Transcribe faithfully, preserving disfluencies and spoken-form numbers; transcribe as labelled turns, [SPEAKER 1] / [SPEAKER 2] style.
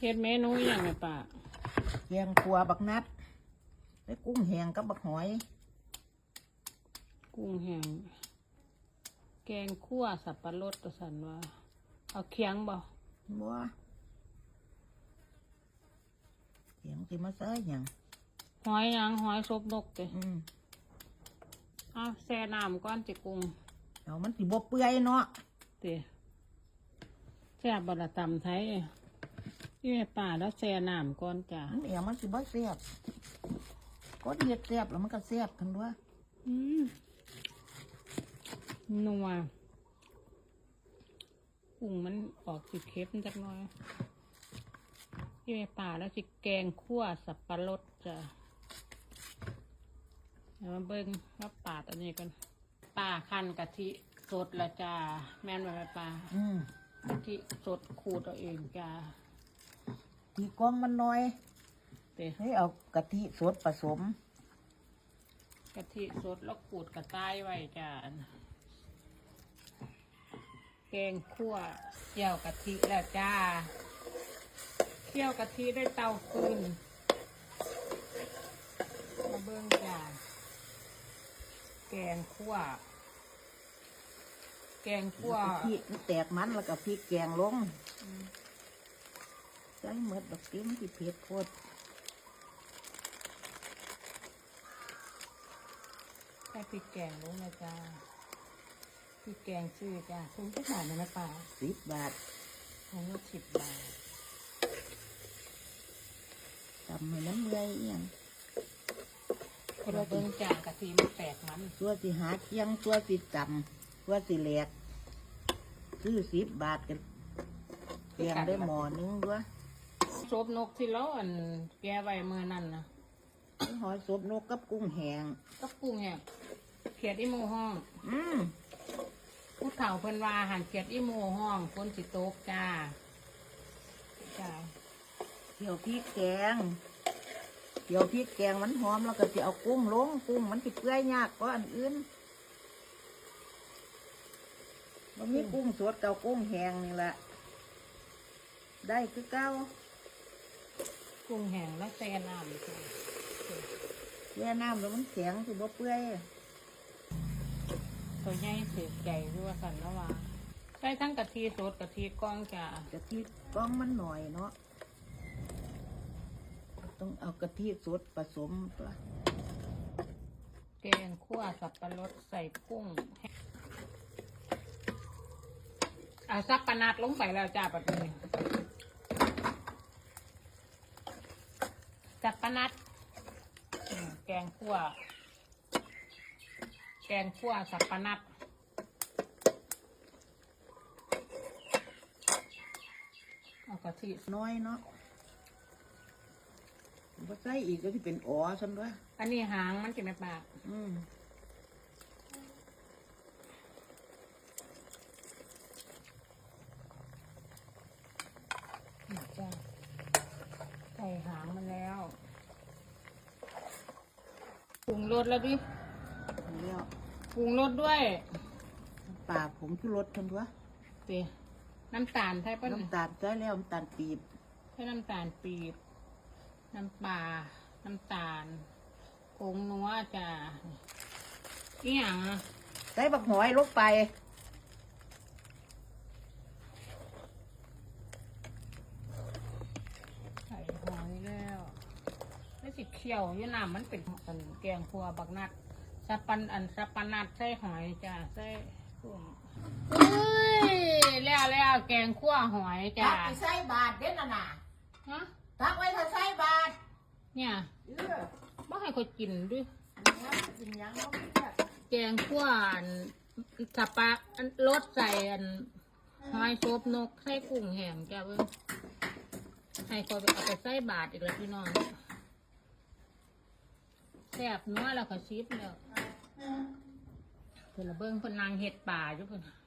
[SPEAKER 1] ฮ็ดเมนูอย่างไรป่า
[SPEAKER 2] แกงขัวบักนัดได้กุ้งแห้งกับบักหอย
[SPEAKER 1] กุ้งแห้งแกงคั่วสับปะรดตัวสันว่าเอาเคียงบ่
[SPEAKER 2] บัวเคียงสิมาใส่หยัง
[SPEAKER 1] หอยยังหอยซบนกเตะ
[SPEAKER 2] อืม
[SPEAKER 1] เอาแช่น้ำก้อนจิกุ้ง
[SPEAKER 2] เดี๋ยวมันสิบ่เปื่อยเนาะ
[SPEAKER 1] เตะแช่บะตำไทยที่แม่ป่าแล้วแช่น้ำก้อนจ้ะ
[SPEAKER 2] เดี๋ยวมันสิบ่แซ่บก็เฮ็ดแซ่บแล้วมันก็แซ่บกันด้วย
[SPEAKER 1] อืมนัวกุ้งมันออกสีเค็มจักหน่อยที่แม่ป่าแล้วสิแกงคั่วสับปะรดจ้ะเดี๋ยวมาเบิ้งว่าป่าตัวนี้กันป่าคั่นกะทิสดละจ้าแม่นไหมแม่ป่า
[SPEAKER 2] อืม
[SPEAKER 1] กะทิสดขูดเอาเองจ้า
[SPEAKER 2] ตีกองมันน้อย
[SPEAKER 1] เดี๋ยว
[SPEAKER 2] ให้เอากะทิสดผสม
[SPEAKER 1] กะทิสดแล้วขูดกระต่ายไว้จ้าแกงคั่วเจียวกะทิแล้วจ้าเคี่ยวกะทิได้เตาฟืนมาเบิ้งจ้าแกงคั่วแกงคั่ว
[SPEAKER 2] พริกแตกมันแล้วก็พริกแกงลงใส่หมดดอกติ้มที่เผ็ดโคตร
[SPEAKER 1] ใส่พริกแกงลงนะจ้าพริกแกงชื่อจ้าคุ้มที่ไหนนะป้า
[SPEAKER 2] สิบบาท
[SPEAKER 1] อันนี้สิบบาท
[SPEAKER 2] ทำให้น้ำเมื่อยอย่าง
[SPEAKER 1] คนละเบิ้งจ้ากะทิมันแตกมัน
[SPEAKER 2] ตัวสิหาเคียงตัวสิจำตัวสิแหลกซื้อสิบบาทกันแกงได้หม้อนึงด้วย
[SPEAKER 1] ซบนกที่เราอันแกไว้เมื่อนั่นนะ
[SPEAKER 2] หอยซบนกกับกุ้งแห้ง
[SPEAKER 1] กับกุ้งแห้งเขียดอีโมห้อง
[SPEAKER 2] อืม
[SPEAKER 1] ผู้เฒ่าเพิ่นว่าหันเขียดอีโมห้องคนสิโตกจ้าจ้า
[SPEAKER 2] เกี่ยวพริกแกงเกี่ยวพริกแกงมันหอมแล้วก็จะเอากุ้งลงกุ้งมันสิเปื่อยยากกว่าอันอื่นมันมีกุ้งสดกับกุ้งแห้งนี่แหละได้คือเก้า
[SPEAKER 1] กุ้งแห้งแล้วแช่น้ำจ้า
[SPEAKER 2] แช่น้ำแล้วมันแข็งสิบ่เปื่อย
[SPEAKER 1] ตัวใหญ่เสียใจด้วยกันแล้วว่าใส่ทั้งกะทิสดกะทิก้องจ้าก
[SPEAKER 2] ะทิก้องมันหน่อยเนาะต้องเอากะทิสดผสมตัว
[SPEAKER 1] แกงคั่วสับปะรดใส่กุ้งเอาสับปะนัดลงไปแล้วจ้าปัดนี้สับปะนัดแกงคั่วแกงคั่วสับปะนัดเอากะทิ
[SPEAKER 2] น้อยเนาะพอใส่อีกก็ที่เป็นอ๋อฉันด้วย
[SPEAKER 1] อันนี้หางมันจะไม่ปาก
[SPEAKER 2] อืม
[SPEAKER 1] จ้าใส่หางมันแล้วปรุงรสแล้วดิ
[SPEAKER 2] แล้ว
[SPEAKER 1] ปรุงรสด้วย
[SPEAKER 2] ปลาผมคือรสฉันด้วย
[SPEAKER 1] เตี๋ยน้ำตาลใช่ปะ
[SPEAKER 2] น้ำตาลใส่แล้วน้ำตาลปีบ
[SPEAKER 1] ใช่น้ำตาลปีบน้ำปลาน้ำตาลผงนัวจ้าอีหยัง
[SPEAKER 2] ใส่บักหอยลงไป
[SPEAKER 1] ใส่หอยแล้วไม่สิเขียวยี่น้ำมันเป็นอันแกงคั่วบักนัดสับปันอันสับปะนัดใส่หอยจ้าใส่กุ้งเฮ้ยแล้วแล้วแกงคั่วหอยจ้า
[SPEAKER 2] ตักไปใส่บาทเด่นน่ะนะ
[SPEAKER 1] ฮะ
[SPEAKER 2] ตักไว้ถ้าใส่บาท
[SPEAKER 1] เนี่ยไม่ให้คนกินด้วย
[SPEAKER 2] กินยัง
[SPEAKER 1] แกงคั่วสับปะรสใส่อันหอยซบนกใส่กุ้งแห้งจ้าเบิ้งให้คนไปเอาไปใส่บาทอีกแล้วพี่น้องแซ่บนัวแล้วก็ชิปแล้วเพิ่นละเบิ้งเพิ่นนางเห็ดป่าอยู่เพิ่น